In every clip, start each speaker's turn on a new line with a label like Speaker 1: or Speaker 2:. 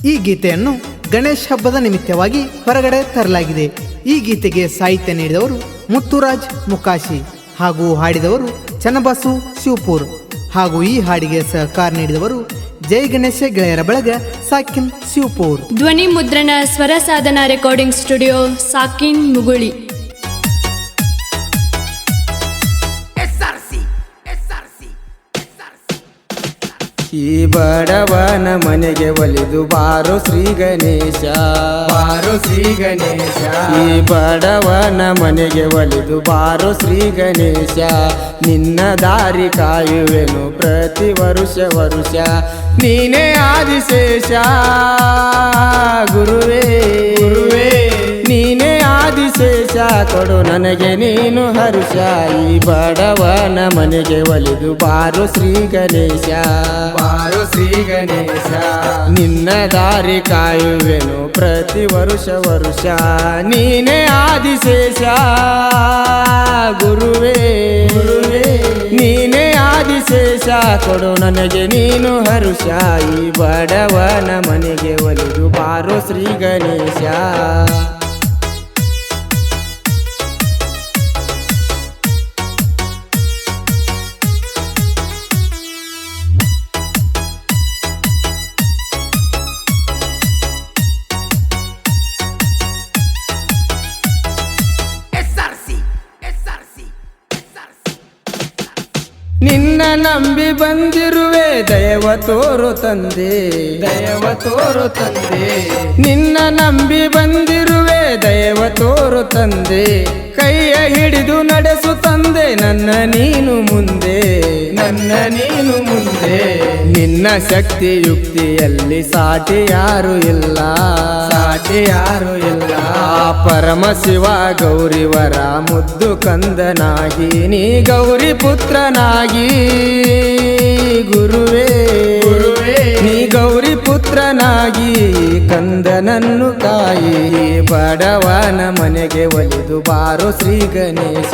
Speaker 1: ಈ ಗೀತೆಯನ್ನು ಗಣೇಶ ಹಬ್ಬದ ನಿಮಿತ್ತವಾಗಿ ಹೊರಗಡೆ ತರಲಾಗಿದೆ. ಈ ಗೀತೆಗೆ ಸಾಹಿತ್ಯ ನೀಡಿದವರು ಮುತ್ತುರಾಜ್ ಮುಕಾಶಿ ಹಾಗೂ ಹಾಡಿದವರು ಚನ್ನಬಸು ಶಿವಪುರ್ ಹಾಗೂ ಈ ಹಾಡಿಗೆ ಸಹಕಾರ ನೀಡಿದವರು ಜೈ ಗಣೇಶ ಗೆಳೆಯರ ಬಳಗ ಸಾಕಿನ್ ಶಿವಪುರ್.
Speaker 2: ಧ್ವನಿ ಮುದ್ರಣ ಸ್ವರ ಸಾಧನ ರೆಕಾರ್ಡಿಂಗ್ ಸ್ಟುಡಿಯೋ ಸಾಕಿನ್ ಮುಗುಳಿ.
Speaker 3: ಈ ಬಡವನ ಮನೆಗೆ ಒಲಿದು ಬಾರೋ ಶ್ರೀ ಗಣೇಶ, ಬಾರೋ ಶ್ರೀ ಗಣೇಶ. ಈ ಬಡವನ ಮನೆಗೆ ಒಲಿದು ಬಾರೋ ಶ್ರೀ ಗಣೇಶ, ನಿನ್ನ ದಾರಿ ಕಾಯುವೆನು ಪ್ರತಿ ವರುಷ ವರುಷ. ನೀನೇ ಆದಿಶೇಷ ಗುರುವೇ, ಗುರುವೇ ನೀನೇ ಆದಿಶೇಷ, ಕೊಡು ನನಗೆ ನೀನು ಹರುಷ. ಈ ಬಡವನ ಮನೆಗೆ ಒಲಿದು ಬಾರೋ ಶ್ರೀ ಗಣೇಶ, ಬಾರೋ ಶ್ರೀ ಗಣೇಶ. ನಿನ್ನ ದಾರಿ ಕಾಯುವೆನು ಪ್ರತಿ ವರುಷ ವರುಷ. ನೀನೇ ಆದಿಶೇಷ ಗುರುವೇ, ಗುರುವೇ ನೀನೇ ಆದಿಶೇಷ, ಕೊಡು ನನಗೆ ನೀನು ಹರುಷ. ಈ ಬಡವನ ಮನೆಗೆ ಒಲಿದು ಬಾರೋ ಶ್ರೀ ಗಣೇಶ. ನಿನ್ನ ನಂಬಿ ಬಂದಿರುವೆ ದಯವ ತೋರು ತಂದೆ, ದಯವ ತೋರು ತಂದೆ. ನಿನ್ನ ನಂಬಿ ಬಂದಿರುವೆ ದಯವ ತೋರು ತಂದೆ, ಕೈಯ ಹಿಡಿದು ನಡೆಸು ತಂದೆ ನನ್ನ ನೀನು ಮುಂದೆ, ನನ್ನ ನೀನು ಮುಂದೆ. ನಿನ್ನ ಶಕ್ತಿ ಯುಕ್ತಿಯಲ್ಲಿ ಸಾಟಿ ಯಾರು ಇಲ್ಲ, ಸಾಟಿ ಯಾರು ಇಲ್ಲ. ಪರಮ ಶಿವ ಗೌರಿವರ ಮುದ್ದು ಕಂದನಾಗಿ ನೀ ಗೌರಿ ಪುತ್ರನಾಗಿ, ಗುರುವೇ ಗುರುವೇ ನೀ ಗೌರಿ ಪುತ್ರನಾಗಿ ಕಂದನನ್ನು ಕಾಯಿ. ಬಡವನ ಮನೆಗೆ ಒಲಿದು ಬಾರೋ ಶ್ರೀ ಗಣೇಶ.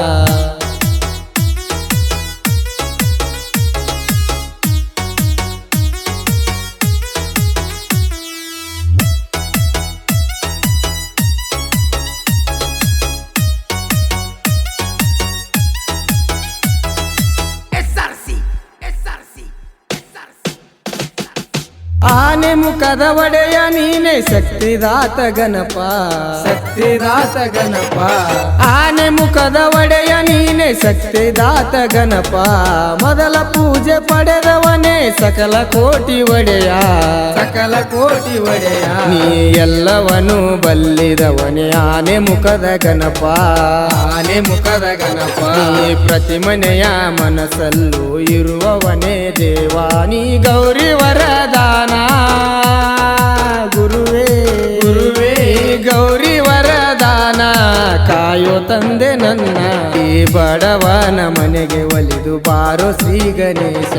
Speaker 3: ಆನೆ ಮುಖದ ಒಡೆಯ ನೀನೆ ಶಕ್ತಿದಾತ ಗಣಪ, ಶಕ್ತಿದಾತ ಗಣಪ. ಆನೆ ಮುಖದ ಒಡೆಯ ನೀನೆ ಶಕ್ತಿದಾತ ಗಣಪ, ಮೊದಲ ಪೂಜೆ ಪಡೆದವನೇ ಸಕಲ ಕೋಟಿ ಒಡೆಯ, ಸಕಲ ಕೋಟಿ ಒಡೆಯ. ನೀ ಎಲ್ಲವನು ಬಲ್ಲಿದವನೇ ಆನೆ ಮುಖದ ಗಣಪ, ಆನೆ ಮುಖದ ಗಣಪ. ನೀ ಪ್ರತಿ ಮನೆಯ ಮನಸ್ಸಲ್ಲೂ ಇರುವವನೇ ದೇವ, ನೀ ಗೌರಿ ವರದಾನ ಗುರುವೇ, ಗುರುವೇ ಗೌರಿ ವರದಾನ ಕಾಯೋ ತಂದೆ ನನ್ನ. ಈ ಬಡವನ ಮನೆಗೆ ಒಲಿದು ಬಾರೋ ಶ್ರೀ ಗಣೇಶ.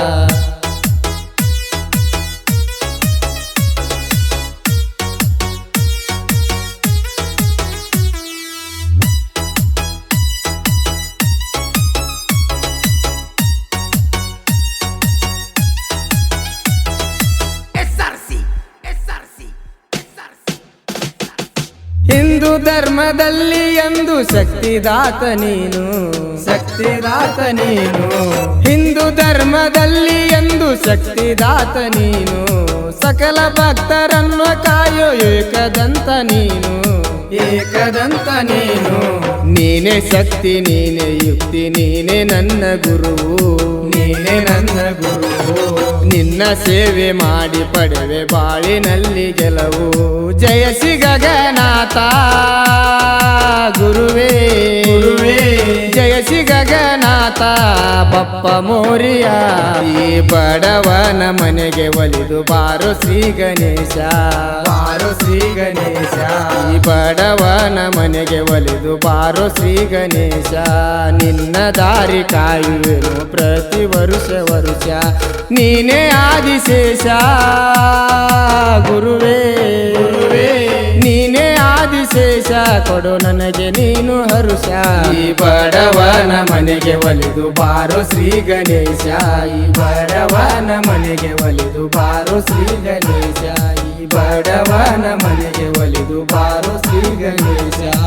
Speaker 3: ಹಿಂದೂ ಧರ್ಮದಲ್ಲಿ ಎಂದು ಶಕ್ತಿದಾತ ನೀನು, ಶಕ್ತಿದಾತ ನೀನು. ಹಿಂದೂ ಧರ್ಮದಲ್ಲಿ ಎಂದು ಶಕ್ತಿದಾತ ನೀನು, ಸಕಲ ಭಕ್ತರನ್ನು ಕಾಯೋ ಏಕದಂತ ನೀನು, ಏಕದಂತ ನೀನು. ನೀನೇ ಶಕ್ತಿ ನೀನೇ ಯುಕ್ತಿ ನೀನೇ ನನ್ನ ಗುರುವು, ನೀನೇ ನನ್ನ ಗುರುವು. ನಿನ್ನ ಸೇವೆ ಮಾಡಿ ಪಡೆವೆ ಬಾಳಿನಲ್ಲಿ ಗೆಲುವು. ಜಯ ಶ್ರೀ ಗಗನಾಥ ಗುರುವೇ, ಗುರುವೇ ಜಯ ಶ್ರೀ ಗಗನಾಥ ಬಪ್ಪ ಮೋರಿಯ. ಈ ಬಡವನ ಮನೆಗೆ ಒಲಿದು ಬಾರೋ ಶ್ರೀ ಗಣೇಶ, ಬಾರೋ ಶ್ರೀ ಗಣೇಶ. ಈ ಬಡವನ ಮನೆಗೆ ಒಲಿದು ಬಾರೋ ಶ್ರೀ ಗಣೇಶ, ನಿನ್ನ ದಾರಿ ಕಾಯುವೆನು ಪ್ರತಿ ವರುಷ ವರುಷ. ನೀನೇ ಆದಿಶೇಷ ಗುರುವೇ, ಗುರುವೇ ನೀನೇ ಆದಿಶೇಷ, ಕೊಡು ನನಗೆ ನೀನು ಹರುಷ. ಈ ಬಡವನ ಮನೆಗೆ ಒಲಿದು ಬಾರೋ ಶ್ರೀ ಗಣೇಶ, ಈ ಬಡವನ ಮನೆಗೆ ಒಲಿದು ಬಾರೋ ಶ್ರೀ ಗಣೇಶ. ಬಡವನ ಮನೆಗೆ ಒಲಿದು ಬಾರೋ ಶ್ರೀ ಗಣೇಶ